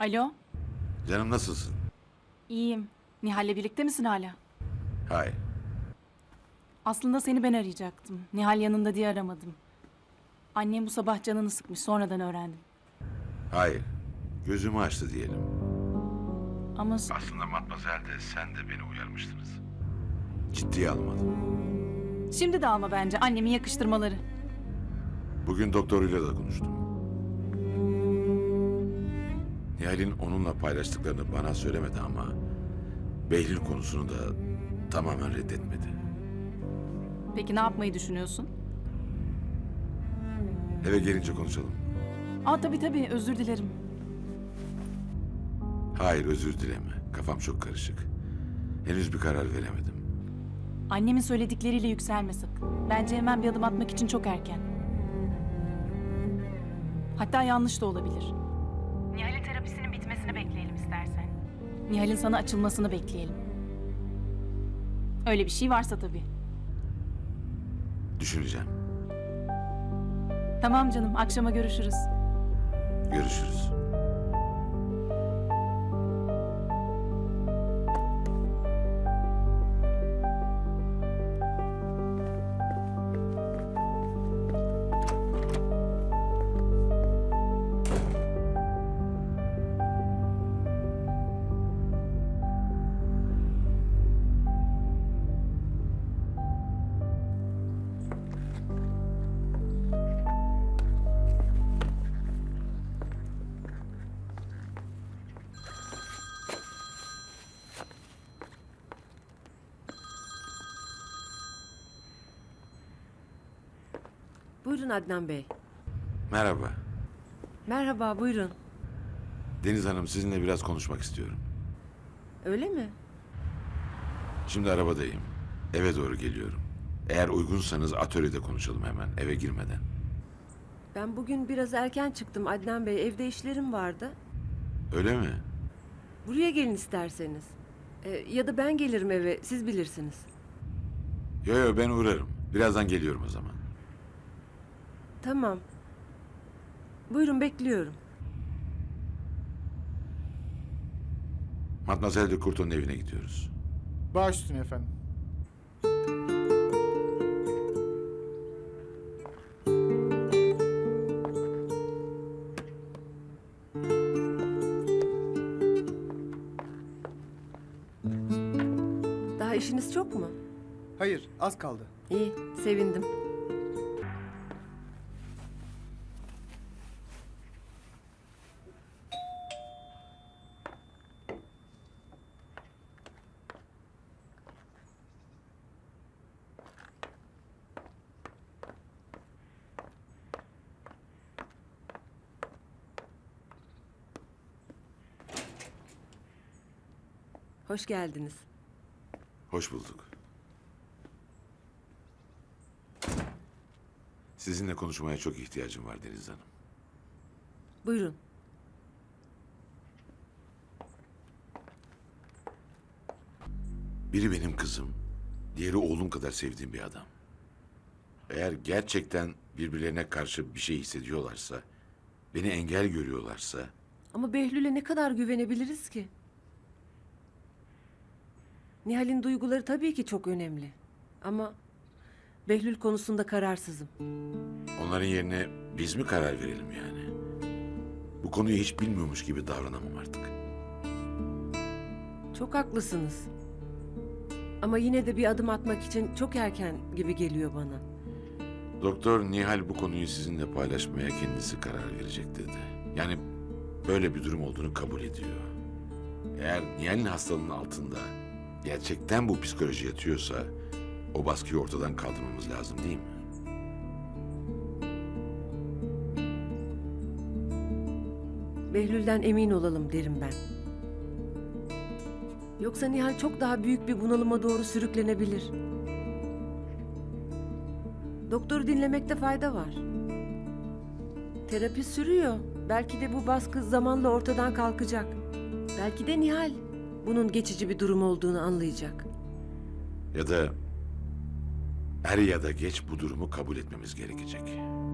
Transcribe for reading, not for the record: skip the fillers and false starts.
Alo, Canım nasılsın? iyiyim. Nihal'le birlikte misin hala? Hayır. Aslında seni ben arayacaktım. Nihal yanında diye aramadım. Annem bu sabah canını sıkmış, sonradan öğrendim. Hayır. Gözümü açtı diyelim. Ama Aslında Matmazel de sen de beni uyarmıştınız. Ciddiye almadım. şimdi de alma bence annemin yakıştırmaları. Bugün doktoruyla da konuştum. Nihal'in onunla paylaştıklarını bana söylemedi ama Behlül konusunu da tamamen reddetmedi. Peki ne yapmayı düşünüyorsun? Eve gelince konuşalım. Tabii özür dilerim. Hayır, özür dileme. Kafam çok karışık. Henüz bir karar veremedim. Annemin söyledikleriyle yükselme sakın. Bence hemen bir adım atmak için çok erken. Hatta yanlış da olabilir. Nihal'in terapisinin bitmesini bekleyelim istersen. Nihal'in sana açılmasını bekleyelim. Öyle bir şey varsa tabii. Düşüneceğim. Tamam canım, akşama görüşürüz. Görüşürüz. Buyurun Adnan Bey. Merhaba. Merhaba, buyurun. Deniz Hanım, sizinle biraz konuşmak istiyorum. Öyle mi? Şimdi arabadayım. Eve doğru geliyorum. Eğer uygunsanız atölyede konuşalım hemen, eve girmeden. Ben bugün biraz erken çıktım Adnan Bey. Evde işlerim vardı. Öyle mi? Buraya gelin isterseniz. Ya da ben gelirim eve, siz bilirsiniz. Yo, ben uğrarım. Birazdan geliyorum o zaman. Tamam. Buyurun, bekliyorum. Matmazel de Kurto'nun evine gidiyoruz. Baş üstüne efendim. Daha işiniz çok mu? Hayır, az kaldı. İyi, sevindim. Hoş geldiniz. Hoş bulduk. Sizinle konuşmaya çok ihtiyacım var Deniz Hanım. Buyurun. Biri benim kızım, diğeri oğlum kadar sevdiğim bir adam. Eğer gerçekten birbirlerine karşı bir şey hissediyorlarsa, beni engel görüyorlarsa, Ama Behlül'e ne kadar güvenebiliriz ki? Nihal'in duyguları tabii ki çok önemli. Ama Behlül konusunda kararsızım. onların yerine biz mi karar verelim yani? Bu konuyu hiç bilmiyormuş gibi davranamam artık. Çok haklısınız. Ama yine de bir adım atmak için çok erken gibi geliyor bana. Doktor Nihal bu konuyu sizinle paylaşmaya kendisi karar verecek dedi. Yani böyle bir durum olduğunu kabul ediyor. Eğer Nihal'in hastalığının altında gerçekten bu psikoloji yatıyorsa o baskıyı ortadan kaldırmamız lazım değil mi? Behlül'den emin olalım derim ben. Yoksa Nihal çok daha büyük bir bunalıma doğru sürüklenebilir. Doktoru dinlemekte fayda var. Terapi sürüyor. Belki de bu baskı zamanla ortadan kalkacak. Belki de Nihal bunun geçici bir durum olduğunu anlayacak. Ya da er ya da geç bu durumu kabul etmemiz gerekecek.